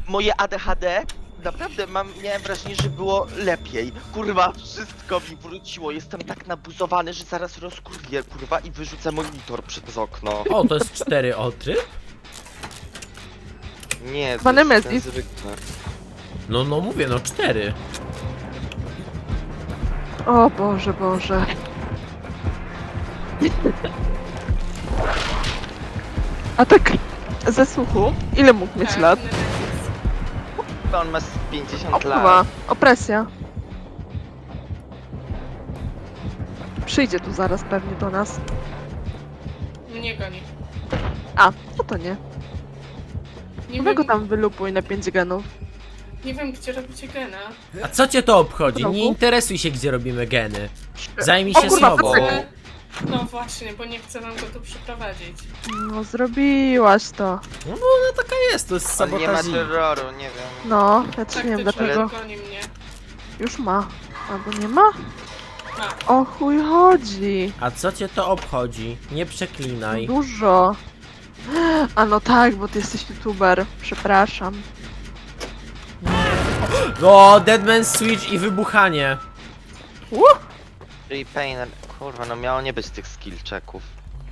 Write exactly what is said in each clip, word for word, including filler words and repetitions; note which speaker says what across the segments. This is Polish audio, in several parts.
Speaker 1: moje A D H D, naprawdę mam, miałem wrażenie, że było lepiej. Kurwa, wszystko mi wróciło. Jestem tak nabuzowany, że zaraz rozkurwię, kurwa, i wyrzucę monitor przez okno.
Speaker 2: O, to jest cztery o tryb?
Speaker 1: Nie, to
Speaker 3: Pan
Speaker 1: jest ten
Speaker 3: Nemesis.
Speaker 1: zwykły.
Speaker 2: No, no mówię, no cztery.
Speaker 3: O Boże, Boże. A tak ze słuchu, ile mógł mieć
Speaker 4: Tak,
Speaker 3: lat?
Speaker 4: Nemesis.
Speaker 1: On ma z pięćdziesiąt
Speaker 3: Opływa,
Speaker 1: lat.
Speaker 3: opresja. Przyjdzie tu zaraz pewnie do nas.
Speaker 4: Mnie goni.
Speaker 3: A, no to nie.
Speaker 4: Nie
Speaker 3: Weź go
Speaker 4: wiem,
Speaker 3: tam wylupuj na pięć genów.
Speaker 4: nie wiem gdzie robicie gena.
Speaker 2: A co cię to obchodzi?
Speaker 3: Znowu?
Speaker 2: Nie interesuj się, gdzie robimy geny. Zajmij
Speaker 3: O
Speaker 2: się
Speaker 3: kurwa,
Speaker 2: sobą.
Speaker 3: facet.
Speaker 4: Ale... No właśnie, bo nie chcę wam go tu przyprowadzić.
Speaker 3: No zrobiłaś to.
Speaker 2: No, no taka jest, to jest
Speaker 1: On nie ma
Speaker 2: sabotaż.
Speaker 1: terroru, nie wiem.
Speaker 3: No, ja też nie wiem
Speaker 4: Taktyczny
Speaker 3: dlaczego.
Speaker 4: goni mnie.
Speaker 3: Już ma. Albo nie ma?
Speaker 4: Ma.
Speaker 3: O chuj chodzi.
Speaker 2: A co cię to obchodzi? Nie przeklinaj.
Speaker 3: Dużo. A no tak, bo ty jesteś youtuber. Przepraszam.
Speaker 2: O, Deadman Switch i wybuchanie.
Speaker 3: Uh,
Speaker 1: Czyli Painter, kurwa, no miało nie być tych skill checków.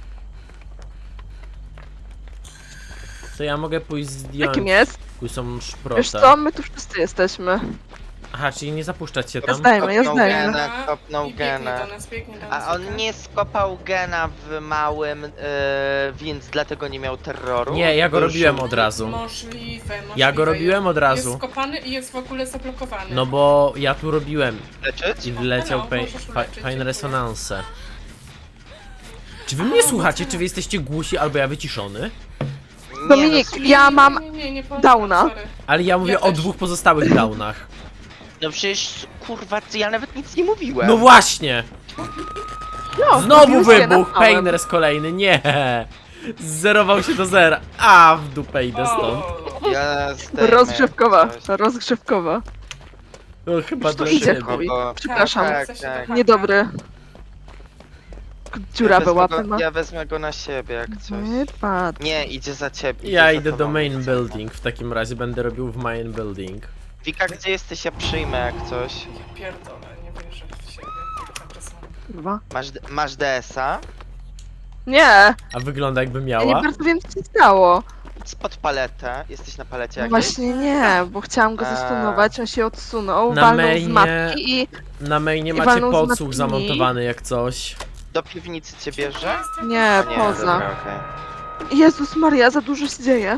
Speaker 2: To ja mogę pójść zdjąć
Speaker 3: jakim jest?
Speaker 2: kusą
Speaker 3: Wiesz
Speaker 2: szprotę.
Speaker 3: co, my tu wszyscy jesteśmy.
Speaker 2: Aha, czyli nie zapuszczać się tam?
Speaker 3: Rozdajmy, ja
Speaker 1: Kopnął
Speaker 3: zdajmy.
Speaker 1: gena, kopnął
Speaker 4: I biegnie
Speaker 1: gena.
Speaker 4: do nas, biegnie do nas.
Speaker 1: A on
Speaker 4: okej?
Speaker 1: nie skopał gena w małym, yy, więc dlatego nie miał terroru?
Speaker 2: Nie, ja go
Speaker 1: Był
Speaker 2: robiłem
Speaker 1: żółty.
Speaker 2: od razu.
Speaker 4: Możliwe, możliwe.
Speaker 2: Ja go robiłem od
Speaker 4: Jest
Speaker 2: razu.
Speaker 4: skopany i jest w ogóle zablokowany.
Speaker 2: No bo ja tu robiłem
Speaker 1: Leczyć?
Speaker 2: i wleciał
Speaker 4: Halo,
Speaker 2: pain,
Speaker 4: możesz
Speaker 2: fa-
Speaker 4: uleczyć,
Speaker 2: fine
Speaker 4: dziękuję.
Speaker 2: resonance. Czy wy mnie
Speaker 4: A,
Speaker 2: słuchacie?
Speaker 4: tak.
Speaker 2: Czy wy jesteście głusi albo ja wyciszony?
Speaker 1: Nie,
Speaker 3: Dominik,
Speaker 1: no,
Speaker 3: ja mam
Speaker 4: Nie, nie, nie, nie
Speaker 3: downa.
Speaker 4: sorry.
Speaker 2: Ale ja mówię
Speaker 4: Ja
Speaker 2: o
Speaker 4: też.
Speaker 2: dwóch pozostałych downach.
Speaker 1: no przecież, kurwa, ja nawet nic nie mówiłem.
Speaker 2: No właśnie!
Speaker 3: No,
Speaker 2: Znowu
Speaker 3: mówiłeś, ja
Speaker 2: wybuch!
Speaker 3: napałem.
Speaker 2: Painers kolejny, nie! Zerował się do zera. A, w dupę idę stąd.
Speaker 4: O,
Speaker 1: Ja zdejmę
Speaker 3: Rozgrzewkowa,
Speaker 1: coś.
Speaker 3: rozgrzewkowa.
Speaker 2: No chyba
Speaker 3: Już tu
Speaker 2: do
Speaker 3: idzie
Speaker 2: siebie.
Speaker 3: chuj.
Speaker 1: bo-
Speaker 3: Przepraszam.
Speaker 1: Tak,
Speaker 4: Chce się
Speaker 1: tak.
Speaker 4: dochać.
Speaker 3: Niedobry. Dziurawe
Speaker 1: wezmę
Speaker 3: łapy
Speaker 1: go,
Speaker 3: ma.
Speaker 1: Ja wezmę go na siebie, jak coś.
Speaker 3: Wypad.
Speaker 1: Nie, idzie za ciebie.
Speaker 2: Ja
Speaker 1: idzie za
Speaker 2: idę do
Speaker 1: tobą,
Speaker 2: main
Speaker 1: jak coś.
Speaker 2: building, w takim razie będę robił w main building.
Speaker 1: Wika, gdzie jesteś? Ja przyjmę jak coś.
Speaker 4: ja pierdolę, nie wierzę w siebie. Zapraszam.
Speaker 3: Kurwa.
Speaker 1: Masz, d- masz D S a?
Speaker 3: Nie,
Speaker 2: A wygląda jakby
Speaker 3: ja nie
Speaker 2: miała?
Speaker 3: bardzo wiem co się stało.
Speaker 1: Idź pod paletę. Jesteś na palecie
Speaker 3: No
Speaker 1: jakiejś?
Speaker 3: właśnie nie, bo chciałam go
Speaker 1: A.
Speaker 3: zastunować, on się odsunął,
Speaker 2: Na
Speaker 3: walnął z
Speaker 2: mainie-
Speaker 3: matki i...
Speaker 2: Na mainie
Speaker 3: I
Speaker 2: macie
Speaker 3: walnął z
Speaker 2: podsłuch
Speaker 3: matkini.
Speaker 2: zamontowany jak coś.
Speaker 1: Do piwnicy cię bierze?
Speaker 3: Nie,
Speaker 1: A nie,
Speaker 3: poza.
Speaker 1: dobra, okej.
Speaker 3: Jezus Maria, za dużo się dzieje.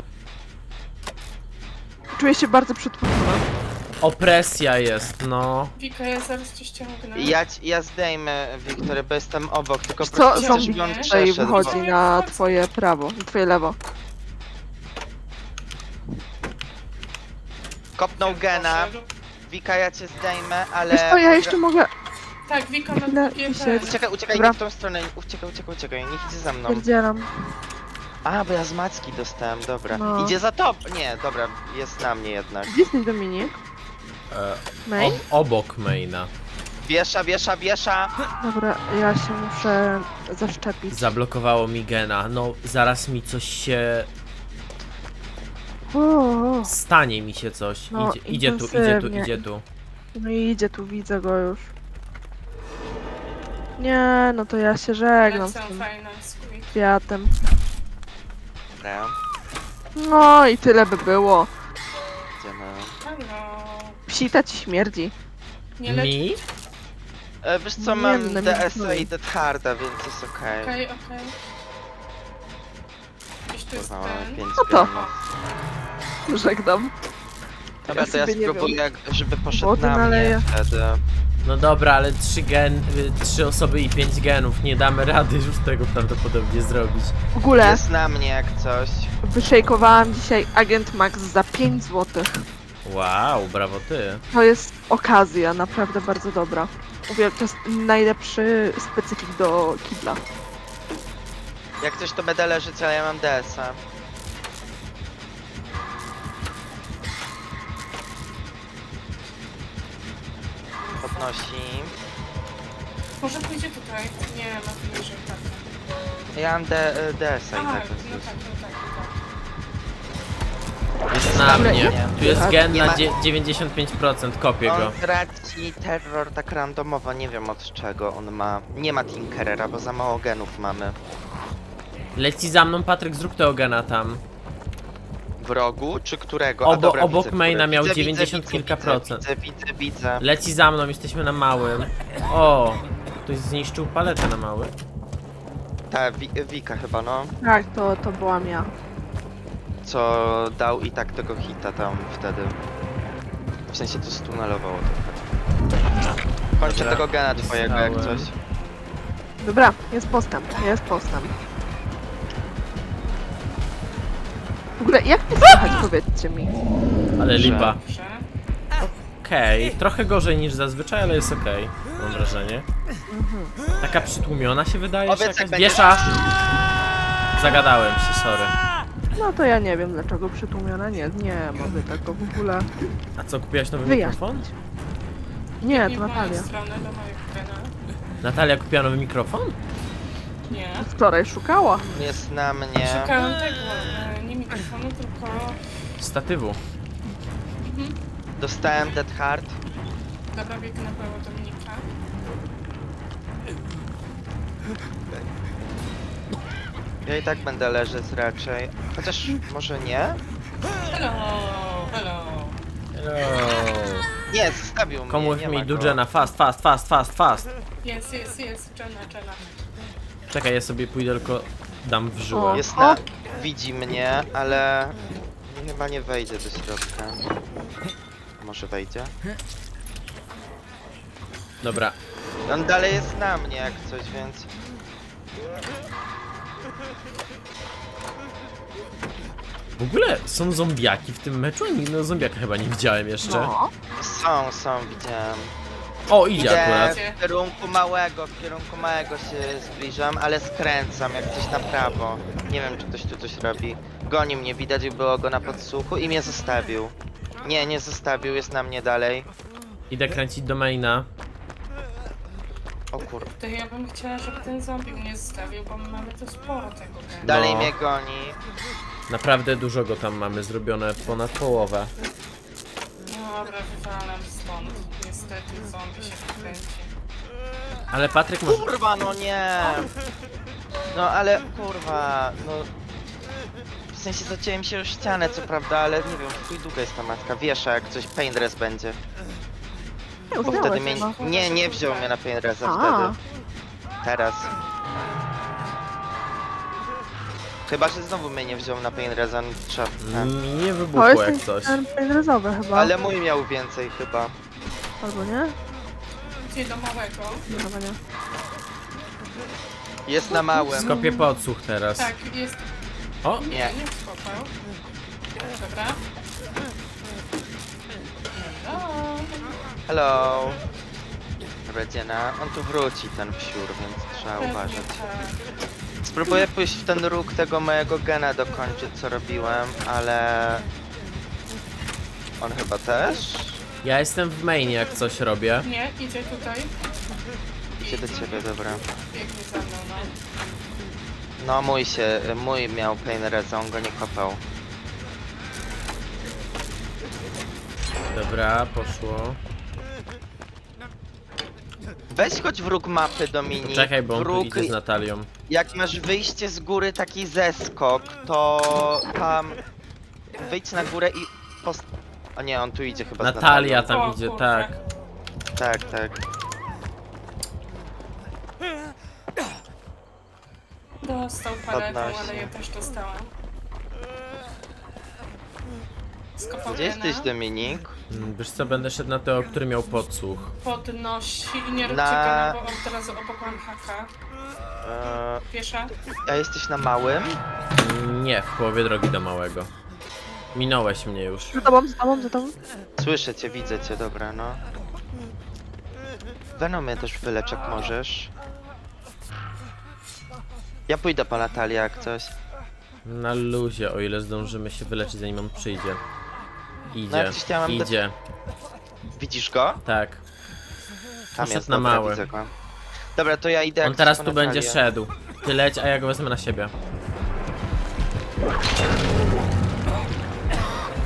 Speaker 3: Czuję się bardzo przytłoczona.
Speaker 2: Opresja jest, no.
Speaker 4: Wika, ja zaraz cię ściągnę.
Speaker 1: Ja, ci- ja zdejmę Wiktorię, bo jestem obok, tylko
Speaker 3: Wiesz
Speaker 1: po
Speaker 3: co,
Speaker 1: prostu
Speaker 3: zombie
Speaker 1: żeby on
Speaker 3: tutaj
Speaker 1: przeszedł,
Speaker 3: wychodzi
Speaker 1: bo-
Speaker 3: na twoje prawo, na twoje lewo.
Speaker 1: Kopnął gena. Wika, ja cię zdejmę, ale...
Speaker 3: Wiesz co, ja jeszcze mogę...
Speaker 4: Tak, Wika ma
Speaker 3: Chwilę
Speaker 4: dwie
Speaker 3: wisieć.
Speaker 4: te.
Speaker 1: Uciekaj, uciekaj,
Speaker 3: Dobra.
Speaker 1: nie w tą stronę, uciekaj, uciekaj, uciekaj, niech idzie za mną.
Speaker 3: Pierdzielam.
Speaker 1: A, bo ja z Macki dostałem, dobra.
Speaker 3: No.
Speaker 1: Idzie za top! Nie, dobra, jest na mnie jednak.
Speaker 3: Gdzie jesteś, Dominik?
Speaker 2: E,
Speaker 3: Main?
Speaker 2: ob obok maina.
Speaker 1: Wiesza, wiesza, wiesza!
Speaker 3: Dobra, ja się muszę zaszczepić.
Speaker 2: Zablokowało mi gena. No, zaraz mi coś się...
Speaker 3: O,
Speaker 2: Stanie mi się coś.
Speaker 3: No,
Speaker 2: Idzie, idzie tu, idzie tu,
Speaker 3: intensywnie.
Speaker 2: idzie tu.
Speaker 3: no i idzie tu, widzę go już. Nie, no to ja się żegnam z
Speaker 4: Lecę
Speaker 3: tym
Speaker 4: fajna, squeak.
Speaker 3: kwiatem.
Speaker 1: Dobra,
Speaker 3: No i tyle by było.
Speaker 1: idziemy.
Speaker 4: Halo.
Speaker 3: Psita ci śmierdzi.
Speaker 4: Nie lecz.
Speaker 2: Mi?
Speaker 1: E, wiesz co,
Speaker 3: Nie,
Speaker 1: mam
Speaker 3: no,
Speaker 1: D S
Speaker 3: nie.
Speaker 1: a i Dead Harda, więc jest okej.
Speaker 4: Okej, okej. Gdzieś tu jest
Speaker 1: Kurwa, mamy
Speaker 4: ten.
Speaker 1: pięć
Speaker 3: No to.
Speaker 1: genów.
Speaker 3: Żegnam.
Speaker 1: Dobra, to ja
Speaker 3: sobie nie
Speaker 1: spróbuję, żeby poszedł
Speaker 3: Wody
Speaker 1: na
Speaker 3: naleję.
Speaker 1: mnie wtedy.
Speaker 2: No dobra, ale trzy gen, y, trzy osoby i pięć genów. Nie damy rady już tego prawdopodobnie zrobić.
Speaker 3: W ogóle
Speaker 1: Jest na mnie jak coś.
Speaker 3: wyszejkowałam dzisiaj Agent Max za pięć złotych.
Speaker 2: Wow, brawo ty.
Speaker 3: To jest okazja, naprawdę bardzo dobra. Mówię, to jest najlepszy specyfik do kibla.
Speaker 1: Jak coś to będę leżeć, ale ja mam D S a. Podnosi.
Speaker 4: Może pójdzie tutaj? Nie, ma tu niżej, tak.
Speaker 1: Ja mam D, D S a
Speaker 4: A,
Speaker 1: i
Speaker 4: no
Speaker 1: tak
Speaker 4: tak,
Speaker 1: więc
Speaker 4: no
Speaker 1: jest.
Speaker 4: tak, no tak, no tak.
Speaker 2: Jest na
Speaker 3: Dobra,
Speaker 2: mnie.
Speaker 3: nie.
Speaker 2: Tu jest
Speaker 3: Tak,
Speaker 2: gen
Speaker 1: nie
Speaker 2: na
Speaker 1: ma-
Speaker 2: dzie- dziewięćdziesiąt pięć procent, kopię go.
Speaker 1: On traci terror tak randomowo, nie wiem od czego on ma. Nie ma Tinkerera, bo za mało genów mamy.
Speaker 2: Leci za mną, Patryk, zrób tego gena tam.
Speaker 1: W rogu, czy którego?
Speaker 2: Obo-
Speaker 1: dobra,
Speaker 2: obok
Speaker 1: widzę,
Speaker 2: maina
Speaker 1: który.
Speaker 2: miał
Speaker 1: Widzę,
Speaker 2: dziewięćdziesiąt
Speaker 1: widzę,
Speaker 2: kilka
Speaker 1: widzę,
Speaker 2: procent.
Speaker 1: Widzę, widzę, widzę.
Speaker 2: Leci za mną, jesteśmy na małym. O, ktoś zniszczył paletę na mały.
Speaker 1: Ta, Wi Wika chyba, no.
Speaker 3: Tak, to, to byłam ja.
Speaker 1: Co dał i tak tego hita tam wtedy. W sensie to stunelowało trochę. Kończę
Speaker 2: Dobra,
Speaker 1: tego gena twojego jak
Speaker 2: dostałem.
Speaker 1: coś.
Speaker 3: Dobra, jest postęp, jest postęp. W ogóle, jak mnie słychać, powiedzcie mi?
Speaker 2: Ale
Speaker 1: Że-
Speaker 2: lipa.
Speaker 4: Dobrze.
Speaker 2: Okej, trochę gorzej niż zazwyczaj, ale jest okej. Mam wrażenie. Taka przytłumiona się wydaje, czy
Speaker 1: Powiedz,
Speaker 2: jakaś
Speaker 1: jak będziesz-
Speaker 2: wiesza. Zagadałem się, sorry.
Speaker 3: No to ja nie wiem dlaczego przytłumiona, nie, nie mamy tego w ogóle.
Speaker 2: A co, kupiłaś nowy
Speaker 3: Wyjaśnić.
Speaker 2: mikrofon?
Speaker 3: Nie,
Speaker 4: Nie
Speaker 3: to
Speaker 4: w moją
Speaker 3: Natalia.
Speaker 4: stronę, do mojego gena.
Speaker 2: Natalia kupiła nowy mikrofon?
Speaker 4: Nie.
Speaker 3: Wczoraj szukała.
Speaker 1: Jest na mnie.
Speaker 4: Szukałem tego, e, nie mikrofonu, tylko...
Speaker 2: Statywu.
Speaker 4: Mhm.
Speaker 1: Dostałem Dead Heart.
Speaker 4: Dobra, biegnę na prawo Dominika.
Speaker 1: Ja i tak będę leżeć raczej. Chociaż może nie?
Speaker 4: Hello, hello.
Speaker 2: Hello.
Speaker 1: Nie, zostawił mnie.
Speaker 2: Komu
Speaker 1: nie
Speaker 2: mi
Speaker 1: ma go.
Speaker 2: Dudżena, fast, fast, fast, fast, fast.
Speaker 4: Jest, jest, jest, Jenna, Jenna.
Speaker 2: Czekaj, ja sobie pójdę tylko dam w żyłę.
Speaker 3: O.
Speaker 1: Jest na... Widzi mnie, ale... Chyba nie wejdzie do środka. Może wejdzie?
Speaker 2: Dobra.
Speaker 1: On dalej jest na mnie jak coś, więc...
Speaker 2: W ogóle są zombiaki w tym meczu? Nigdy zombiaka chyba nie widziałem jeszcze.
Speaker 3: No.
Speaker 1: Są, są, widziałem.
Speaker 2: O, idzie
Speaker 1: Idę
Speaker 2: akurat.
Speaker 1: w kierunku małego, w kierunku małego się zbliżam, ale skręcam jak coś na prawo. Nie wiem, czy ktoś tu coś robi. Goni mnie, widać było go na podsłuchu i mnie zostawił. Nie, nie zostawił, jest na mnie dalej.
Speaker 2: Idę kręcić do maina.
Speaker 1: O kur...
Speaker 4: To ja bym chciała, żeby ten zombie mnie zostawił, bo my mamy tu sporo tego gena.
Speaker 1: Dalej
Speaker 2: No.
Speaker 1: mnie goni.
Speaker 2: Naprawdę dużo go tam mamy zrobione, ponad połowę.
Speaker 4: Dobra, wywalam stąd. Niestety zombie się wkręci.
Speaker 2: Ale Patryk może...
Speaker 1: Kurwa, no nie! No ale kurwa, no... W sensie zacięłem się o ścianę, co prawda, ale nie wiem, w chuj długa jest ta matka. Wiesza, jak coś painrest będzie.
Speaker 3: Nie
Speaker 1: Bo wtedy mnie...
Speaker 3: uznałeś chyba.
Speaker 1: Nie, nie wziął mnie na painresta
Speaker 3: A.
Speaker 1: wtedy. Teraz. Chyba, że znowu mnie nie wziął na painresta, no trzeba...
Speaker 2: Mi nie
Speaker 3: To
Speaker 2: wybuchło
Speaker 3: jest
Speaker 2: jak
Speaker 3: ten,
Speaker 2: coś.
Speaker 3: ten penrezowy chyba.
Speaker 1: Ale mój miał więcej chyba.
Speaker 3: Albo nie?
Speaker 4: Gdzie do małego?
Speaker 3: Nie, chyba nie.
Speaker 1: Jest na małym.
Speaker 2: Skopię podsłuch teraz.
Speaker 4: Tak, jest...
Speaker 2: O,
Speaker 4: Nie,
Speaker 1: Nie.
Speaker 4: nie wskopał. Dobra. Hello.
Speaker 1: Hello. Redziena. On tu wróci, ten psiur, więc trzeba
Speaker 4: Pewnie
Speaker 1: uważać.
Speaker 4: tak.
Speaker 1: Spróbuję pójść w ten róg tego mojego gena dokończyć, co robiłem, ale... On chyba też?
Speaker 2: ja jestem w mainie jak coś robię.
Speaker 4: Nie, idzie tutaj.
Speaker 1: Idzie do ciebie, dobra.
Speaker 4: Biegnie za mną, no.
Speaker 1: No mój się, mój miał painreza, on go nie kopał.
Speaker 2: Dobra, poszło.
Speaker 1: Weź chodź w róg mapy, Dominik.
Speaker 2: Czekaj, bo on tu
Speaker 1: Wróg,
Speaker 2: idzie z Natalią.
Speaker 1: jak masz wyjście z góry, taki zeskok, to tam... Wyjdź na górę i... Post... O nie, on tu idzie chyba z
Speaker 2: Natalia
Speaker 1: Natalią.
Speaker 2: tam
Speaker 4: O,
Speaker 2: idzie,
Speaker 4: kurczę.
Speaker 2: tak.
Speaker 1: Tak, tak.
Speaker 4: Dostał paletą,
Speaker 1: Podnosi.
Speaker 4: ale ja też dostałam. Skopał
Speaker 1: Gdzie
Speaker 4: gena,
Speaker 1: jesteś, Dominik?
Speaker 2: Mm, Wiesz co, będę szedł na tego, który miał podsłuch.
Speaker 4: podnosi i nie róbcie
Speaker 1: Na-
Speaker 4: gena, bo on teraz obok mam haka.
Speaker 1: Eee,
Speaker 4: Piesza.
Speaker 1: a jesteś na małym?
Speaker 2: Mm, Nie, w połowie drogi do małego. Minąłeś mnie już.
Speaker 3: Za tobą, za tobą, za tobą.
Speaker 1: Słyszę cię, widzę cię, dobra, no. Venomie też wylecz, jak możesz. Ja pójdę po Natalię, jak coś.
Speaker 2: Na luzie, o ile zdążymy się wyleczyć, zanim on przyjdzie.
Speaker 1: No
Speaker 2: Idzie,
Speaker 1: jak coś ja mam do-
Speaker 2: idzie,
Speaker 1: Widzisz go?
Speaker 2: tak.
Speaker 1: Tam
Speaker 2: Poszedł
Speaker 1: jest,
Speaker 2: na
Speaker 1: dobra,
Speaker 2: mały.
Speaker 1: widzę go. Dobra, to ja idę jak
Speaker 2: On teraz
Speaker 1: coś
Speaker 2: tu
Speaker 1: po
Speaker 2: będzie
Speaker 1: Natalię.
Speaker 2: szedł. Ty leć, a ja go wezmę na siebie.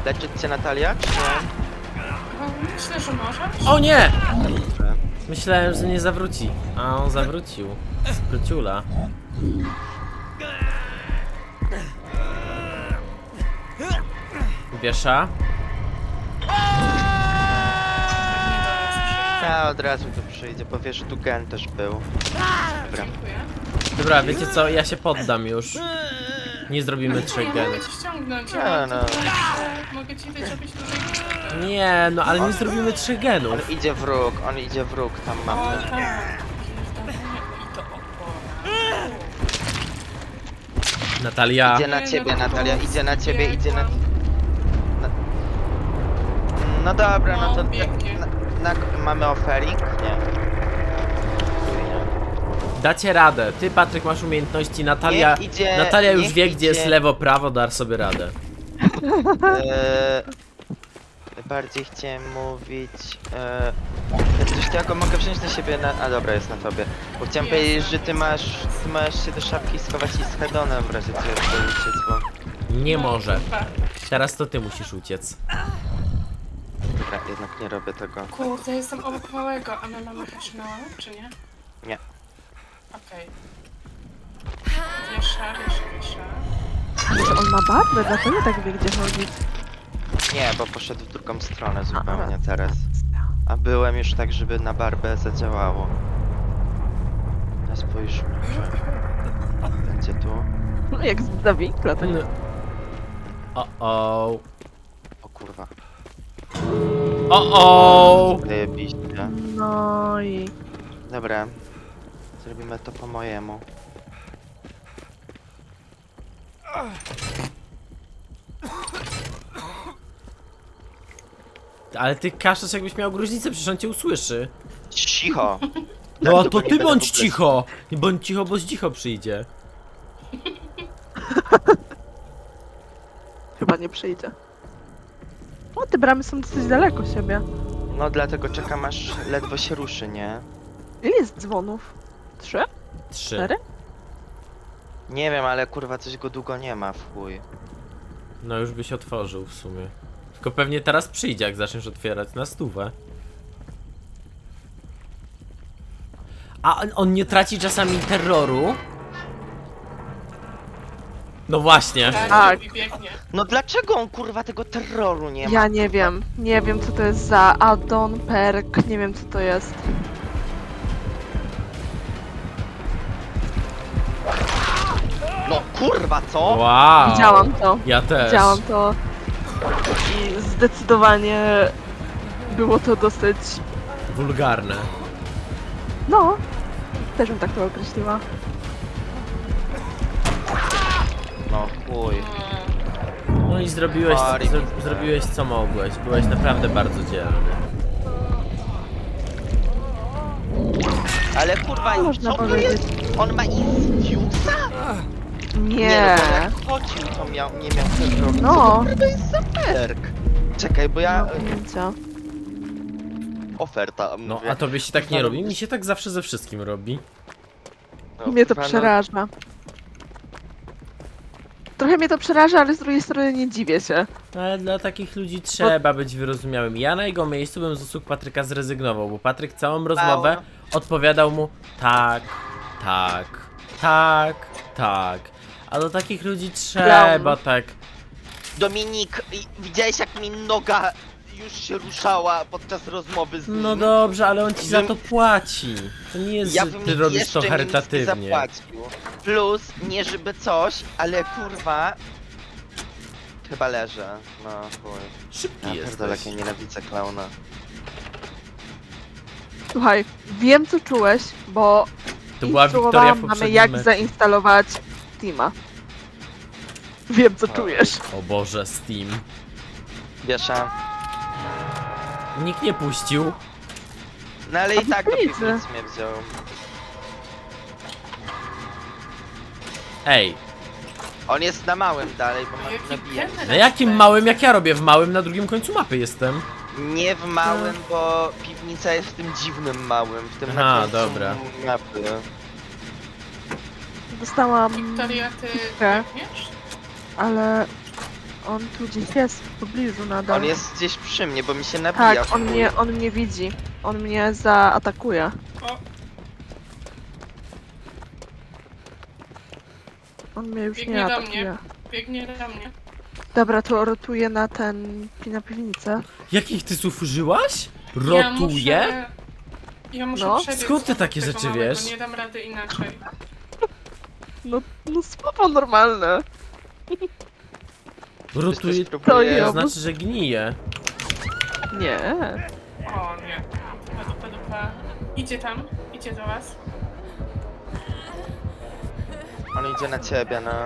Speaker 1: Leczyć cię Natalia, czy nie?
Speaker 4: No, myślę, że możesz.
Speaker 2: O nie!
Speaker 1: Dobrze.
Speaker 2: Myślałem, że nie zawróci, a on zawrócił. Spryciula. Wiesza?
Speaker 4: Nie do nas przyjdzie.
Speaker 1: Ja od razu tu przyjdzie, bo wiesz, że tu gen też był. Dobra.
Speaker 4: Dziękuję.
Speaker 2: Dobra, wiecie co, ja się poddam już. Nie zrobimy trzech
Speaker 4: Ja
Speaker 2: genów.
Speaker 4: mogę ci ściągnąć,
Speaker 1: Nie,
Speaker 4: ja
Speaker 1: no.
Speaker 4: no. Mogę ci dać, żebyś tutaj...
Speaker 2: Nie, no ale nie zrobimy trzech
Speaker 1: On
Speaker 2: genów.
Speaker 1: idzie wróg, on idzie wróg, tam
Speaker 4: O
Speaker 1: mamy.
Speaker 4: tak. I to opora.
Speaker 2: Natalia.
Speaker 1: Idzie na
Speaker 4: Nie,
Speaker 1: ciebie,
Speaker 4: no to
Speaker 1: Natalia,
Speaker 4: było
Speaker 1: idzie na ciebie, idzie na...
Speaker 4: biegłam.
Speaker 1: na... No dobra, no to...
Speaker 4: No, biegnie.
Speaker 1: Na, na, mamy oferik? Nie.
Speaker 2: Dacie radę. Ty, Patryk, masz umiejętności. Natalia.
Speaker 1: Niech idzie-
Speaker 2: Natalia już
Speaker 1: niech
Speaker 2: wie, gdzie jest
Speaker 1: idzie-
Speaker 2: lewo, prawo, dar sobie radę.
Speaker 1: Eee, bardziej chciałem mówić... Eee, coś takiego mogę wziąć na siebie na... A dobra, jest na tobie. Bo chciałem
Speaker 4: Jest,
Speaker 1: powiedzieć, że
Speaker 4: jest.
Speaker 1: ty masz... Ty masz się do szafki schować i z hedonem w razie czego chcesz uciec, bo...
Speaker 2: Nie
Speaker 4: No,
Speaker 2: może.
Speaker 4: chyba.
Speaker 2: Teraz to ty musisz uciec.
Speaker 1: Dobra, jednak nie robię tego.
Speaker 4: Kurde, jestem obok małego, a my mamy hashnoa, czy nie?
Speaker 1: Nie.
Speaker 4: Okej. Wiesza, wiesza, wiesza.
Speaker 3: Może on ma barbę, dlatego tak wie, gdzie chodzić.
Speaker 1: Nie, bo poszedł w drugą stronę zupełnie teraz. A byłem już tak, żeby na barbę zadziałało. Ja spójrzmy, że będzie tu.
Speaker 3: No jak z zawinkla, to nie.
Speaker 2: O o.
Speaker 1: O kurwa,
Speaker 2: O o.
Speaker 1: zajebiście.
Speaker 3: No i...
Speaker 1: Dobra, zrobimy to po mojemu.
Speaker 2: Ale ty kaszesz, jakbyś miał gruźlicę, przecież on cię usłyszy.
Speaker 1: Cicho!
Speaker 2: No
Speaker 1: Tak,
Speaker 2: a
Speaker 1: to
Speaker 2: to
Speaker 1: nie
Speaker 2: ty
Speaker 1: będę
Speaker 2: bądź
Speaker 1: w ogóle-
Speaker 2: cicho! Nie bądź cicho, bo z cicho przyjdzie.
Speaker 3: Chyba nie przyjdzie. O, te bramy są dosyć daleko siebie.
Speaker 1: No dlatego czekam aż ledwo się ruszy, nie?
Speaker 3: Ile jest dzwonów? Trzy?
Speaker 2: Trzy.
Speaker 3: Cztery?
Speaker 1: Nie wiem, ale kurwa coś go długo nie ma, w chuj.
Speaker 2: No już byś otworzył w sumie. Tylko pewnie teraz przyjdzie, jak zaczniesz otwierać na stówę. A on, on nie traci czasami terroru? No właśnie.
Speaker 4: Tak,
Speaker 3: Tak.
Speaker 4: i biegnie.
Speaker 1: No dlaczego on kurwa tego terroru nie ma?
Speaker 3: Ja nie wiem. Nie wiem, co to jest za addon, perk, nie wiem, co to jest.
Speaker 1: No kurwa, co?
Speaker 2: Wow.
Speaker 3: Widziałam to.
Speaker 2: Ja też.
Speaker 3: Widziałam to. I zdecydowanie było to dosyć...
Speaker 2: Wulgarne.
Speaker 3: No, też bym tak to określiła.
Speaker 1: No chuj.
Speaker 2: No i zrobiłeś,
Speaker 1: Sorry,
Speaker 2: zro,
Speaker 1: Mister.
Speaker 2: zrobiłeś co mogłeś. Byłeś naprawdę bardzo dzielny.
Speaker 1: Ale kurwa,
Speaker 3: Można
Speaker 1: co to
Speaker 3: powiedzieć.
Speaker 1: jest? On ma Insidiousa?
Speaker 3: Nie.
Speaker 1: no, bo jak chodził, to miał, nie miał terroru.
Speaker 3: No.
Speaker 1: Co to jest za perk? Czekaj, bo ja...
Speaker 3: No, pojęcia.
Speaker 1: Oferta,
Speaker 2: No
Speaker 1: mówię.
Speaker 2: a tobie się tak nie robi? Mi się tak zawsze ze wszystkim robi.
Speaker 1: No,
Speaker 3: Mnie to
Speaker 1: kurwa, no,
Speaker 3: przeraża. Trochę mnie to przeraża, ale z drugiej strony nie dziwię się.
Speaker 2: Ale dla takich ludzi trzeba być wyrozumiałym. Ja na jego miejscu bym z usług Patryka zrezygnował, bo Patryk całą rozmowę odpowiadał mu tak, tak, tak, tak. A do takich ludzi trzeba
Speaker 3: Klaun.
Speaker 2: tak.
Speaker 1: Dominik, i- widziałeś jak mi noga już się ruszała podczas rozmowy z nim?
Speaker 2: No dobrze, ale on ci za
Speaker 1: Bym-
Speaker 2: to płaci. To nie jest,
Speaker 1: Ja
Speaker 2: że
Speaker 1: bym
Speaker 2: ty robisz
Speaker 1: jeszcze
Speaker 2: to
Speaker 1: mi nic nie
Speaker 2: charytatywnie.
Speaker 1: zapłacił. Plus, nie żeby coś, ale kurwa... Chyba leżę, no chuj.
Speaker 2: Szybki
Speaker 1: Ja pierdolę, jak
Speaker 2: jesteś.
Speaker 1: ja nienawidzę klauna.
Speaker 3: Słuchaj, wiem co czułeś, bo
Speaker 2: To była Wiktoria
Speaker 3: instruowałam
Speaker 2: w
Speaker 3: mamy
Speaker 2: poprzednim
Speaker 3: jak
Speaker 2: meczu.
Speaker 3: zainstalować Steama. Wiem co
Speaker 1: O.
Speaker 3: czujesz.
Speaker 2: O Boże, Steam.
Speaker 1: Wiesz, a...
Speaker 2: Nikt nie puścił.
Speaker 1: No ale i tak do
Speaker 3: piwnicy.
Speaker 1: piwnicy mnie wziął.
Speaker 2: Ej,
Speaker 1: On jest na małym dalej, bo
Speaker 4: A
Speaker 1: ma
Speaker 4: jaki
Speaker 1: nabijanie.
Speaker 4: generał
Speaker 2: na jakim
Speaker 4: będzie?
Speaker 2: małym, jak ja robię w małym, na drugim końcu mapy jestem.
Speaker 1: Nie w małym, bo piwnica jest w tym dziwnym małym, w tym
Speaker 2: Aha,
Speaker 1: na końcu
Speaker 2: dobra.
Speaker 1: mapy.
Speaker 3: Dostałam,
Speaker 4: Wiktoria, ty
Speaker 3: Piwkę.
Speaker 4: biegniesz?
Speaker 3: ale On tu gdzieś jest, w pobliżu nadal.
Speaker 1: On jest gdzieś przy mnie, bo mi się nabija.
Speaker 3: Tak,
Speaker 1: w
Speaker 3: on
Speaker 1: chuj.
Speaker 3: mnie, on mnie widzi. On mnie zaatakuje.
Speaker 4: O,
Speaker 3: On mnie już
Speaker 4: Biegnie
Speaker 3: nie
Speaker 4: do
Speaker 3: atakuje.
Speaker 4: mnie. biegnie do mnie.
Speaker 3: Dobra, to rotuję na ten... na piwnicę.
Speaker 2: Jakich ty słów użyłaś?
Speaker 4: Ja
Speaker 2: Rotuje?
Speaker 4: muszę, ja muszę
Speaker 3: No.
Speaker 4: przebiec
Speaker 2: Skąd ty
Speaker 4: obok
Speaker 2: takie
Speaker 4: tego
Speaker 2: rzeczy
Speaker 4: małego,
Speaker 2: wiesz?
Speaker 4: Nie dam rady inaczej.
Speaker 3: No, no słowo normalne.
Speaker 2: Rotuje,
Speaker 1: Ktoś próbuje-
Speaker 3: To
Speaker 2: to znaczy, że gnije.
Speaker 3: Nie.
Speaker 4: O nie. Dupa, dupa, dupa. Idzie tam, idzie do was.
Speaker 1: On idzie na ciebie, no.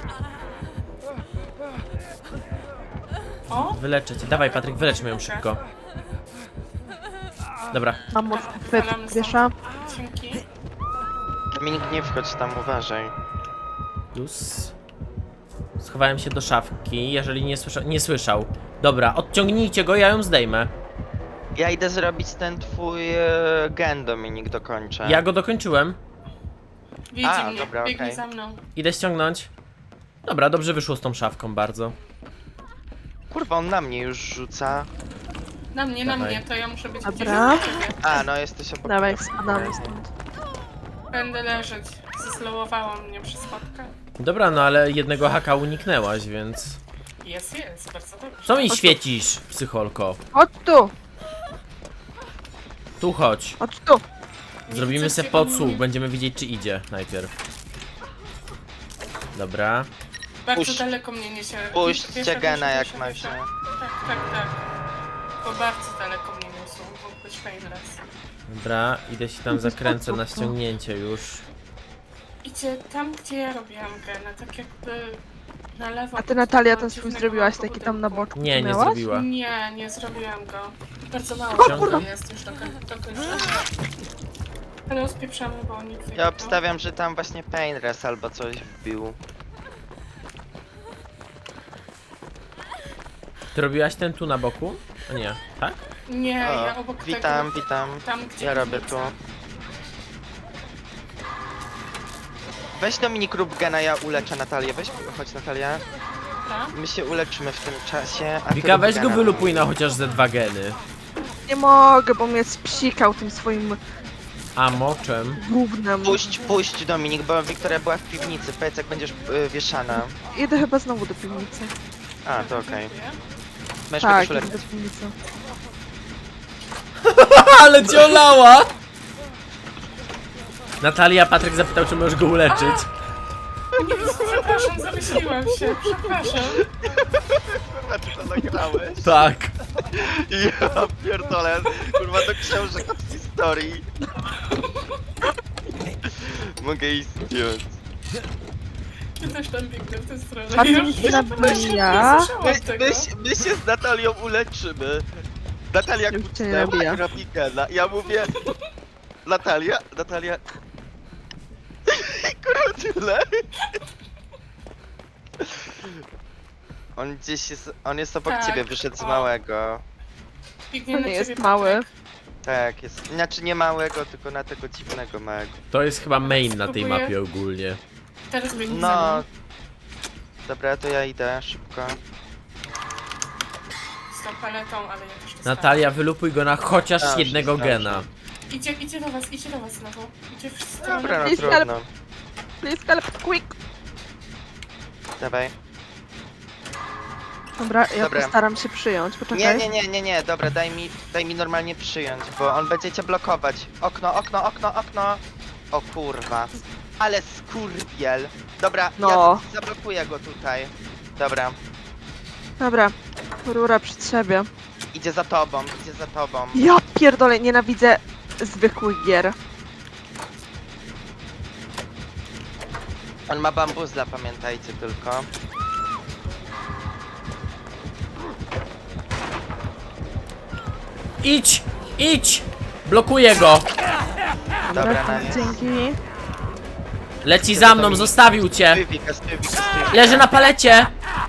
Speaker 4: O,
Speaker 2: Wyleczę cię. Dawaj, Patryk, wyleczmy ją szybko. Dobra.
Speaker 3: Mam mocny
Speaker 4: Wywalam
Speaker 3: chwyt,
Speaker 4: stąd.
Speaker 3: wiesza.
Speaker 4: dzięki.
Speaker 1: Dominik, nie wchodź tam, uważaj.
Speaker 2: Plus. Schowałem się do szafki, jeżeli nie, słysza nie słyszał. Dobra, odciągnijcie go, ja ją zdejmę.
Speaker 1: Ja idę zrobić ten twój e, gen, Dominik, dokończę.
Speaker 2: Ja go dokończyłem.
Speaker 4: Widzi
Speaker 1: A,
Speaker 4: mnie,
Speaker 1: dobra,
Speaker 4: biegnie
Speaker 1: okej.
Speaker 4: za mną.
Speaker 2: Idę ściągnąć. Dobra, dobrze wyszło z tą szafką bardzo.
Speaker 1: Kurwa, on na mnie już rzuca.
Speaker 4: Na mnie, na
Speaker 2: Dawaj.
Speaker 4: mnie, to ja muszę być
Speaker 3: Dobra.
Speaker 4: gdzieś obok ciebie.
Speaker 1: A, no jesteś obok.
Speaker 3: Dawaj,
Speaker 1: mnie.
Speaker 3: spadamy stąd.
Speaker 4: Będę leżeć. Zeslowowało mnie przez schodkę.
Speaker 2: Dobra, no ale jednego haka uniknęłaś, więc...
Speaker 4: Jest, jest, bardzo dobrze.
Speaker 2: Co mi świecisz, psycholko?
Speaker 3: Chodź tu!
Speaker 2: Tu chodź.
Speaker 3: Chodź tu!
Speaker 4: Nie
Speaker 2: Zrobimy
Speaker 4: chcecie
Speaker 2: se podsłuch,
Speaker 4: mnie-
Speaker 2: będziemy widzieć czy idzie najpierw. Dobra.
Speaker 4: Bardzo
Speaker 1: Puść-
Speaker 4: daleko mnie niesie.
Speaker 1: Puśćcie
Speaker 4: Wiesza,
Speaker 1: gena
Speaker 4: wiesza,
Speaker 1: jak
Speaker 4: wiesza,
Speaker 1: macie.
Speaker 4: wiesza. Tak, tak, tak. Bo bardzo daleko mnie niosą, mógł być painless.
Speaker 2: Dobra, idę się tam zakręcę na ściągnięcie już.
Speaker 4: Idzie tam, gdzie ja robiłam gena, tak jakby na lewo.
Speaker 3: A ty
Speaker 4: od
Speaker 3: Natalia
Speaker 4: tego
Speaker 3: ten swój
Speaker 4: dziwnego
Speaker 3: zrobiłaś
Speaker 4: małego
Speaker 3: taki tam na
Speaker 4: budynku.
Speaker 3: boczku,
Speaker 2: Nie,
Speaker 3: co
Speaker 2: nie
Speaker 3: miałaś?
Speaker 2: zrobiła.
Speaker 4: Nie, nie zrobiłam go. Bardzo mało
Speaker 2: O
Speaker 4: tego
Speaker 2: kurwa.
Speaker 4: jest już do, koń- do końca. Ale uspieprzamy, bo oni
Speaker 1: Ja obstawiam, że tam właśnie Painrest albo coś wbił.
Speaker 2: Ty robiłaś ten tu na boku? A nie, tak?
Speaker 4: Nie,
Speaker 1: O,
Speaker 4: ja obok
Speaker 1: witam,
Speaker 4: tego.
Speaker 1: witam.
Speaker 4: Tam, gdzie
Speaker 1: Ja robię
Speaker 4: piwnica.
Speaker 1: tu. Weź Dominik rób gena, ja uleczę Natalię. Weź, chodź Natalia.
Speaker 4: Dobra.
Speaker 1: My się uleczymy w tym czasie, a ty
Speaker 2: Wika,
Speaker 1: rób
Speaker 2: weź go
Speaker 1: gena.
Speaker 2: wylupuj na chociaż ze dwa geny.
Speaker 3: Nie mogę, bo mnie spsikał tym swoim
Speaker 2: A moczem?
Speaker 3: gównem.
Speaker 1: Puść, puść Dominik, bo Wiktoria była w piwnicy. Powiedz jak będziesz y, wieszana.
Speaker 3: Idę chyba znowu do piwnicy.
Speaker 1: A, to okej.
Speaker 4: Dziękuję.
Speaker 1: Możesz
Speaker 3: Tak,
Speaker 1: tak,
Speaker 3: idę do piwnicy.
Speaker 2: Ale cię olała! Natalia, Patryk zapytał, czy możesz go uleczyć.
Speaker 4: Nie, przepraszam, zamyśliłam się, przepraszam.
Speaker 1: A ty to nagrałeś?
Speaker 2: Tak.
Speaker 1: Ja pierdolę, kurwa do książek od historii. Mogę iść zdjąć.
Speaker 4: Ja też tam biegnę w tę stronę.
Speaker 3: A ty
Speaker 4: Ja
Speaker 3: mi się
Speaker 4: już-
Speaker 3: nabija.
Speaker 4: Nie
Speaker 1: My,
Speaker 4: słyszałam tego.
Speaker 1: my, się- my się z Natalią uleczymy. Natalia
Speaker 3: Już cię
Speaker 1: kucnęła
Speaker 3: nabija.
Speaker 1: i robi gena. Ja mówię... Natalia, Natalia... Kurwa tyle. On gdzieś jest... On jest obok
Speaker 4: Tak,
Speaker 1: ciebie, wyszedł z
Speaker 4: o.
Speaker 1: małego.
Speaker 4: Biegnie
Speaker 3: To
Speaker 4: na
Speaker 3: nie
Speaker 4: ciebie,
Speaker 3: jest mały.
Speaker 4: Patryk.
Speaker 1: Tak, jest... Znaczy nie małego, tylko na tego dziwnego małego.
Speaker 2: To jest chyba main na tej
Speaker 4: Spróbuję.
Speaker 2: mapie ogólnie.
Speaker 4: Teraz biegnie za
Speaker 1: No...
Speaker 4: mną.
Speaker 1: Dobra, to ja idę szybko.
Speaker 4: Z tą paletą, ale ja też dostałam.
Speaker 2: Natalia, wylupuj go na chociaż
Speaker 1: Dobrze,
Speaker 2: jednego
Speaker 1: dobrze.
Speaker 2: gena.
Speaker 4: Idzie, idzie do was, idzie do was znowu. Idzie w stronę.
Speaker 1: Dobra, no
Speaker 3: Please
Speaker 1: trudno.
Speaker 3: Please help, quick!
Speaker 1: Dawaj.
Speaker 3: Dobra, ja
Speaker 1: Dobra.
Speaker 3: postaram się przyjąć, poczekaj.
Speaker 1: Nie, nie, nie, nie, nie, dobra, daj mi, daj mi normalnie przyjąć, bo on będzie cię blokować. Okno, okno, okno, okno. O kurwa. Ale skurwiel. Dobra,
Speaker 3: No.
Speaker 1: ja zablokuję go tutaj. Dobra,
Speaker 3: Dobra, rura przed siebie.
Speaker 1: idzie za tobą, idzie za tobą.
Speaker 3: Ja pierdolę, nienawidzę zwykłych gier.
Speaker 1: On ma bambuzla, pamiętajcie tylko.
Speaker 2: Idź! Idź! Blokuję go!
Speaker 1: Dobra,
Speaker 3: Dobra,
Speaker 1: na nie.
Speaker 3: dzięki.
Speaker 2: Leci za mną, zostawił cię!
Speaker 1: Stywika, stywika, stywika.
Speaker 2: Leży na palecie!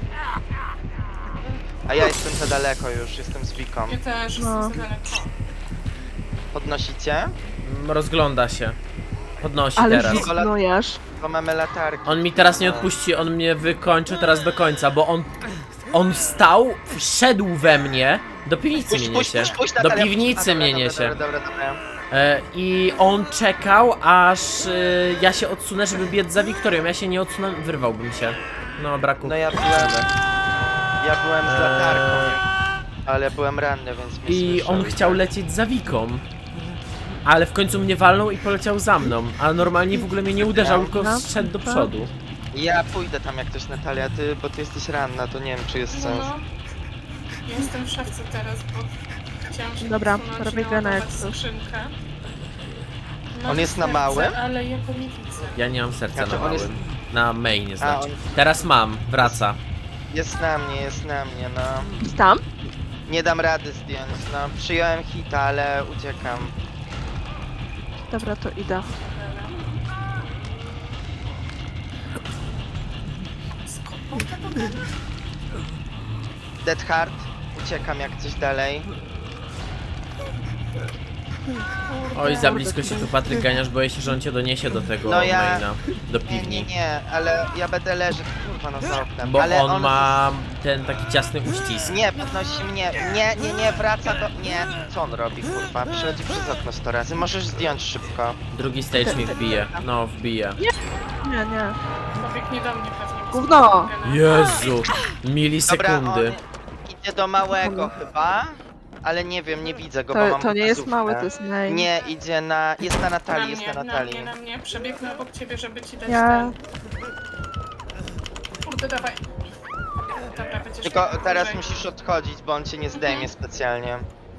Speaker 1: A ja jestem za daleko już, jestem z Wiką.
Speaker 4: Ja też
Speaker 3: No.
Speaker 4: jestem za daleko.
Speaker 1: Podnosicie?
Speaker 2: Mm, Rozgląda się. Podnosi
Speaker 3: Ale
Speaker 2: teraz.
Speaker 3: żegnujesz.
Speaker 1: Bo mamy latarki.
Speaker 2: On mi teraz nie odpuści, on mnie wykończył teraz do końca, bo on on stał, wszedł we mnie, do piwnicy
Speaker 1: Puść,
Speaker 2: mnie
Speaker 1: puść,
Speaker 2: niesie.
Speaker 1: puść, puść,
Speaker 2: Do
Speaker 1: Natalia,
Speaker 2: piwnicy
Speaker 1: puść. A,
Speaker 2: mnie
Speaker 1: dobra,
Speaker 2: niesie.
Speaker 1: Dobra, dobra, dobra.
Speaker 2: E, I on czekał, aż e, ja się odsunę, żeby biec za Wiktorią. Ja się nie odsunę, wyrwałbym się. No, braku.
Speaker 1: No ja byłem... Ja byłem z latarką, ale byłem ranny, więc mnie
Speaker 2: I
Speaker 1: słyszał
Speaker 2: on chciał
Speaker 1: tak.
Speaker 2: lecieć za Wiką. Ale w końcu mnie walnął i poleciał za mną. A normalnie w ogóle mnie nie uderzał, tylko
Speaker 3: No.
Speaker 2: szedł do przodu.
Speaker 1: Ja pójdę tam jak ktoś, Natalia, ty, bo ty jesteś ranna, to nie wiem czy jest
Speaker 4: No,
Speaker 1: sens.
Speaker 4: no. Ja jestem w szafce teraz, bo chciałam się
Speaker 3: Dobra,
Speaker 4: odsunąć
Speaker 3: robię
Speaker 4: i
Speaker 3: gena jak
Speaker 4: naładować
Speaker 3: coś.
Speaker 4: skrzynkę. Mam
Speaker 1: On jest na
Speaker 4: serce,
Speaker 1: małym?
Speaker 4: Ale ja go nie widzę.
Speaker 2: Ja nie mam serca
Speaker 1: Znaczy,
Speaker 2: na
Speaker 1: on
Speaker 2: małym.
Speaker 1: jest-
Speaker 2: Na mainie znaczy.
Speaker 1: on-
Speaker 2: Teraz mam, wraca.
Speaker 1: Jest na mnie, jest na mnie, no.
Speaker 3: Tam?
Speaker 1: Nie dam rady zdjąć, no. Przyjąłem hita, ale uciekam.
Speaker 3: Dobra, to idę.
Speaker 4: Skopał tego gena?
Speaker 1: Dead Heart, uciekam jak coś dalej.
Speaker 2: Oj, za blisko się tu Patryk ganiasz, boję się, że on cię doniesie do tego
Speaker 1: No ja-
Speaker 2: maina. Do
Speaker 1: Nie,
Speaker 2: piwni.
Speaker 1: nie, nie, ale ja będę leżeć, kurwa, no za oknem.
Speaker 2: Bo
Speaker 1: ale
Speaker 2: on ma ten taki ciasny uścisk.
Speaker 1: Nie, podnosi mnie. Nie, nie, nie, wraca do... Nie. Co on robi, kurwa? Przechodzi przez okno sto razy. Możesz zdjąć szybko.
Speaker 2: Drugi stage mi wbije. No, wbije.
Speaker 3: Nie, nie.
Speaker 4: Pobiegnie do mnie pewnie. bo
Speaker 3: Gówno!
Speaker 4: skopał gena.
Speaker 2: Jezu!
Speaker 1: Dobra,
Speaker 2: Milisekundy.
Speaker 1: on idzie do małego chyba, ale nie wiem, nie widzę go, bo
Speaker 3: To,
Speaker 1: mam
Speaker 3: to nie jest
Speaker 1: bazówkę.
Speaker 3: mały, to jest main.
Speaker 1: Nie, idzie na... Jest na
Speaker 4: Na
Speaker 1: Natalii, jest
Speaker 4: mnie,
Speaker 1: na
Speaker 4: na
Speaker 1: Natalii.
Speaker 4: mnie, na mnie. Przebiegnę obok ciebie, żeby ci dać
Speaker 3: Ja...
Speaker 4: ten. Kurde, dawaj. Dobra, będziesz
Speaker 1: Tylko
Speaker 4: miał
Speaker 1: teraz
Speaker 4: dłużej.
Speaker 1: musisz odchodzić, bo on cię nie zdejmie specjalnie.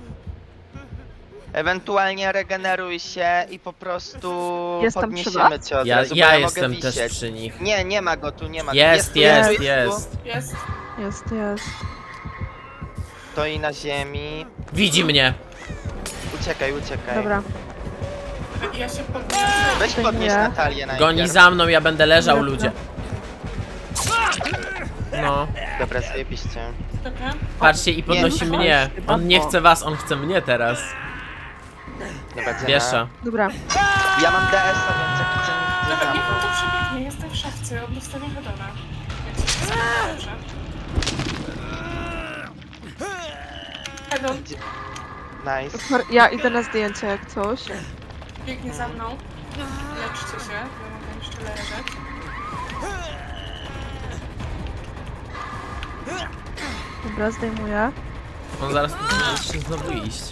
Speaker 1: Ewentualnie regeneruj się i po prostu
Speaker 3: Jestem przy
Speaker 1: podniesiemy
Speaker 3: was?
Speaker 1: cię od
Speaker 2: Ja,
Speaker 1: razu, bo
Speaker 2: ja
Speaker 1: ja
Speaker 2: jestem
Speaker 1: mogę
Speaker 2: też
Speaker 1: wisieć.
Speaker 2: przy nich.
Speaker 1: Nie, nie ma go tu, nie ma go.
Speaker 2: Jest,
Speaker 1: tu,
Speaker 2: jest,
Speaker 1: tu,
Speaker 2: jest.
Speaker 1: tu.
Speaker 4: Jest.
Speaker 3: Jest, jest.
Speaker 1: Stoi na ziemi.
Speaker 2: Widzi mnie.
Speaker 1: Uciekaj, uciekaj.
Speaker 3: Dobra.
Speaker 4: Ja się podniosę.
Speaker 1: Weź
Speaker 3: Zdejmuję.
Speaker 1: podnieś Natalię najpierw.
Speaker 2: Goni za mną, ja będę leżał,
Speaker 3: Dobra.
Speaker 2: ludzie. No.
Speaker 1: Dobra, zajebiście.
Speaker 4: Dobra.
Speaker 2: Patrzcie i podnosi
Speaker 1: Nie,
Speaker 2: mnie.
Speaker 3: chyba
Speaker 2: On nie
Speaker 3: to.
Speaker 2: chce was, on chce mnie teraz.
Speaker 1: Dobra, Dziena.
Speaker 2: Wiesza.
Speaker 3: Dobra.
Speaker 1: Ja mam D S a, więc jak chcę nic nie
Speaker 4: Dobra, niech on
Speaker 1: dam.
Speaker 4: to przebiegnie. Jestem w szafce, od ustawienia Hedona. Jak się wszystko dobrze. Hedon,
Speaker 1: Nice.
Speaker 3: Ja idę na zdjęcie jak coś.
Speaker 4: biegnie za mną. Leczcie się, ja mogę jeszcze leżeć.
Speaker 3: Dobra, zdejmuję.
Speaker 2: On zaraz tu może się znowu iść.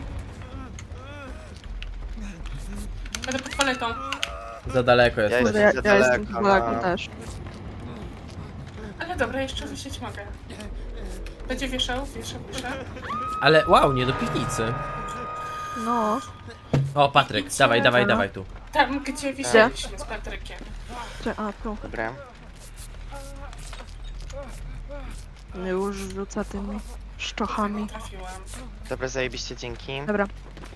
Speaker 4: Będę pod paletą.
Speaker 2: Za daleko jest.
Speaker 1: Ja
Speaker 3: Kurde,
Speaker 1: jestem
Speaker 3: ja,
Speaker 1: za
Speaker 3: ja jestem
Speaker 1: daleko,
Speaker 3: daleko
Speaker 1: no.
Speaker 3: też.
Speaker 4: Ale dobra, jeszcze wisieć mogę. Będzie wieszał, wiesza, wiesza.
Speaker 2: Ale wow, nie do piwnicy.
Speaker 3: No.
Speaker 2: O, Patryk, dawaj, dawaj,
Speaker 3: no.
Speaker 2: dawaj tu.
Speaker 4: Tam, gdzie wisieliśmy z Patrykiem.
Speaker 3: Czy, a, tu.
Speaker 1: Dobra.
Speaker 3: Już rzuca tymi szczochami.
Speaker 4: Trafiłam.
Speaker 1: Dobra, zajebiście, dzięki.
Speaker 3: Dobra.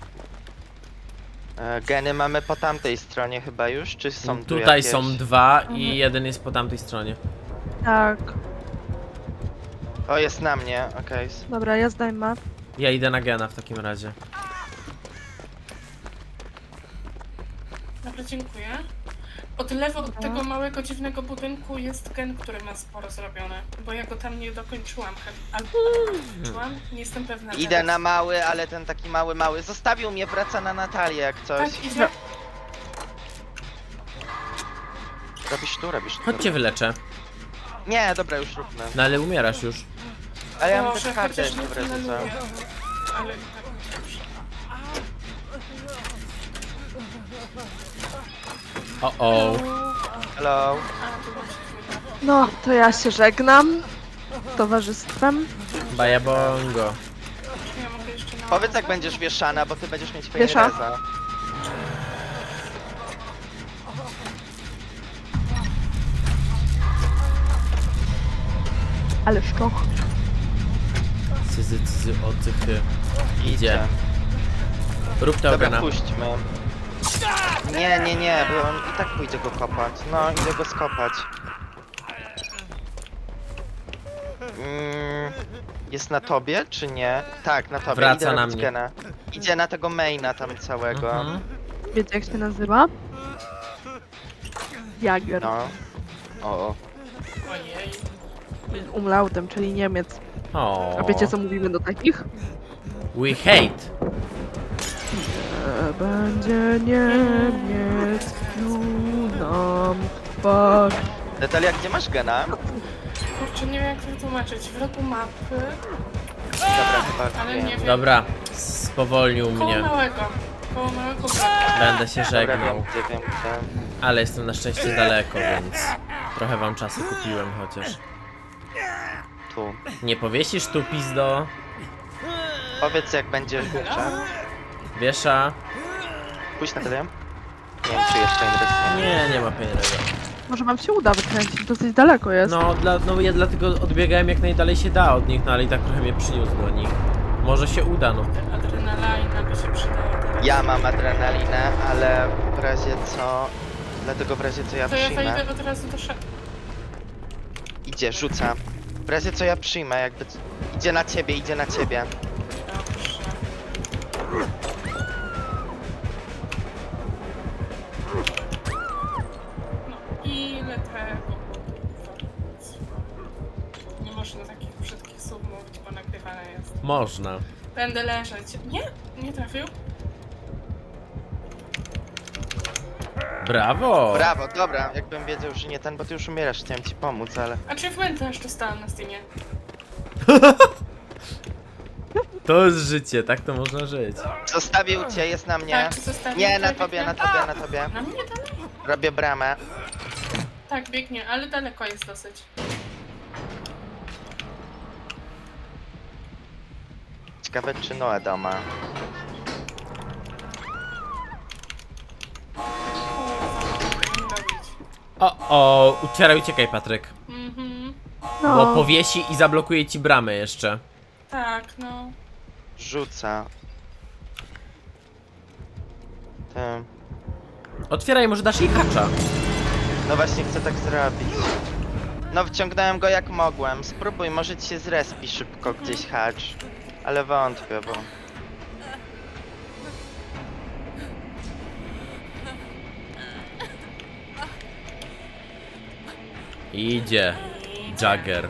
Speaker 1: E, geny mamy po tamtej stronie chyba już, czy są tu
Speaker 2: Tutaj
Speaker 1: jakieś?
Speaker 2: są dwa i jeden jest po tamtej stronie.
Speaker 3: Tak.
Speaker 1: O, jest na mnie, okej.
Speaker 3: Dobra, ja zdejmę.
Speaker 2: Ja idę na gena w takim razie.
Speaker 4: Dobra, dziękuję. Od lewo od tego małego, dziwnego budynku jest gen, który ma sporo zrobione. Bo ja go tam nie dokończyłam. he- Albo dokończyłam? Nie jestem pewna.
Speaker 1: Idę
Speaker 4: teraz.
Speaker 1: na mały, ale ten taki mały, mały. Zostawił mnie, wraca na Natalię jak coś.
Speaker 4: Tak, idzie.
Speaker 1: Robisz tu, robisz tu.
Speaker 2: Chodźcie wyleczę.
Speaker 1: Nie, dobra, już róbmy.
Speaker 2: No ale umierasz już.
Speaker 1: A ja mam
Speaker 4: Boże,
Speaker 1: też kartę
Speaker 4: chociaż
Speaker 1: jeszcze w razie co.
Speaker 4: tuneluję. Ale i tak dobrze.
Speaker 2: O o.
Speaker 1: Hello.
Speaker 4: A, tu właśnie chwilę.
Speaker 3: No, to ja się żegnam. Z towarzystwem.
Speaker 2: Baja bongo.
Speaker 4: Czy ja mogę jeszcze na...
Speaker 1: Powiedz jak będziesz wieszana, bo ty będziesz mieć
Speaker 3: Wiesza?
Speaker 1: reza.
Speaker 3: Ale szczoch.
Speaker 2: Cyzy, cyzy, ocychy. Idzie. Rób to
Speaker 1: Dobra,
Speaker 2: gena.
Speaker 1: puśćmy. Nie, nie, nie, bo on i tak pójdzie go kopać. No, idę go skopać. Mm, jest na tobie, czy nie? Tak, na tobie.
Speaker 2: Wraca
Speaker 1: Idę
Speaker 2: na
Speaker 1: robić
Speaker 2: mnie.
Speaker 1: gena. Idzie na tego maina tam całego.
Speaker 2: Mhm.
Speaker 3: Wiecie jak się nazywa? Jager.
Speaker 1: No. O, o.
Speaker 4: Ojej.
Speaker 3: z umlautem, czyli Niemiec.
Speaker 2: O.
Speaker 3: A wiecie co mówimy do takich?
Speaker 2: We hate.
Speaker 3: E, będzie Niemiec, pił nam twarz.
Speaker 1: Natalia, gdzie masz gena?
Speaker 4: Kurczę, nie wiem jak to wytłumaczyć. W rogu mapy,
Speaker 1: Dobra, chyba
Speaker 4: ale
Speaker 1: wiem.
Speaker 4: nie wiem.
Speaker 2: Dobra, spowolnił
Speaker 4: Koło
Speaker 2: mnie.
Speaker 4: małego. Koło małego brata.
Speaker 2: Będę się
Speaker 1: Dobra, wiem
Speaker 2: żegnał.
Speaker 1: gdzie, wiem gdzie.
Speaker 2: Ale jestem na szczęście daleko, więc trochę wam czasu kupiłem chociaż.
Speaker 1: Tu.
Speaker 2: Nie powiesisz tu, pizdo?
Speaker 1: Powiedz jak będzie żółcza.
Speaker 2: Wiesza?
Speaker 1: Pójdź Natalia. Nie wiem czy jeszcze nie
Speaker 2: Nie, nie ma pieniędzy.
Speaker 3: Może wam się uda wykręcić, dosyć daleko jest.
Speaker 2: No, dla, no ja dlatego odbiegałem jak najdalej się da od nich, no ale i tak trochę mnie przyniósł do nich. Może się uda, no.
Speaker 4: Adrenalina by się przydała teraz.
Speaker 1: Ja mam adrenalinę, ale w razie co... Dlatego w razie co ja
Speaker 4: To ja
Speaker 1: przyjmę...
Speaker 4: wejdę od razu do szafy.
Speaker 1: Idzie, rzuca. W razie co ja przyjmę, jakby... c- Idzie na ciebie, idzie na ciebie.
Speaker 4: Dobrze. No, ile tego nie można takich brzydkich słów mówić, bo nagrywane jest.
Speaker 2: Można.
Speaker 4: Będę leżeć. Nie? Nie trafił?
Speaker 2: Brawo!
Speaker 1: Brawo, dobra, jakbym wiedział, że nie ten, bo ty już umierasz, chciałem ci pomóc, ale...
Speaker 4: Achievementa jeszcze dostałam na Steamie.
Speaker 2: To jest życie, tak to można żyć.
Speaker 1: Zostawił cię, jest na mnie.
Speaker 4: Tak, zostawił.
Speaker 1: Nie, na
Speaker 4: tak,
Speaker 1: tobie, na
Speaker 4: tak.
Speaker 1: tobie, na tobie.
Speaker 4: Na mnie dalej?
Speaker 1: Robię bramę.
Speaker 4: Tak, biegnie, ale daleko jest dosyć.
Speaker 1: Ciekawe czy Noe doma.
Speaker 4: Kurwa, co mam robić?
Speaker 2: O, o, ucieraj, uciekaj, Patryk.
Speaker 4: Mhm,
Speaker 3: No,
Speaker 2: Bo powiesi i zablokuje ci bramę jeszcze.
Speaker 4: tak, no.
Speaker 1: Rzuca. Tym.
Speaker 2: Otwieraj, może dasz jej hacza.
Speaker 1: No właśnie chcę tak zrobić. No wciągnąłem go jak mogłem. Spróbuj, może ci się zrespi szybko gdzieś hacz. Ale wątpię, bo...
Speaker 2: Idzie. Jagger.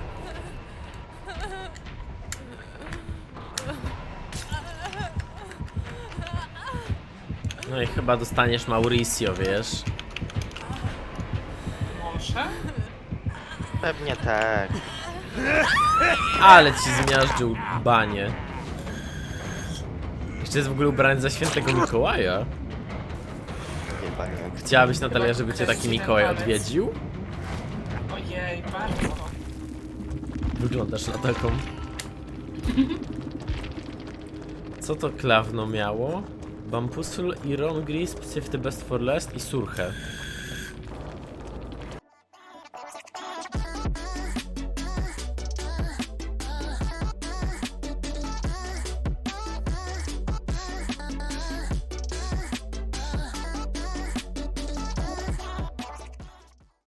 Speaker 2: No i chyba dostaniesz Mauricio, wiesz?
Speaker 4: Może?
Speaker 1: Pewnie tak.
Speaker 2: Ale ci zmiażdżył banie. Jeszcze jest w ogóle ubrany za świętego Mikołaja.
Speaker 1: Chyba nie.
Speaker 2: Chciałabyś, Natalia, żeby cię taki Mikołaj odwiedził?
Speaker 4: Ojej, bardzo.
Speaker 2: Wyglądasz na taką. Co to klawno miało? Bambusul, Iron Gris, Save the Best for Last i Surche.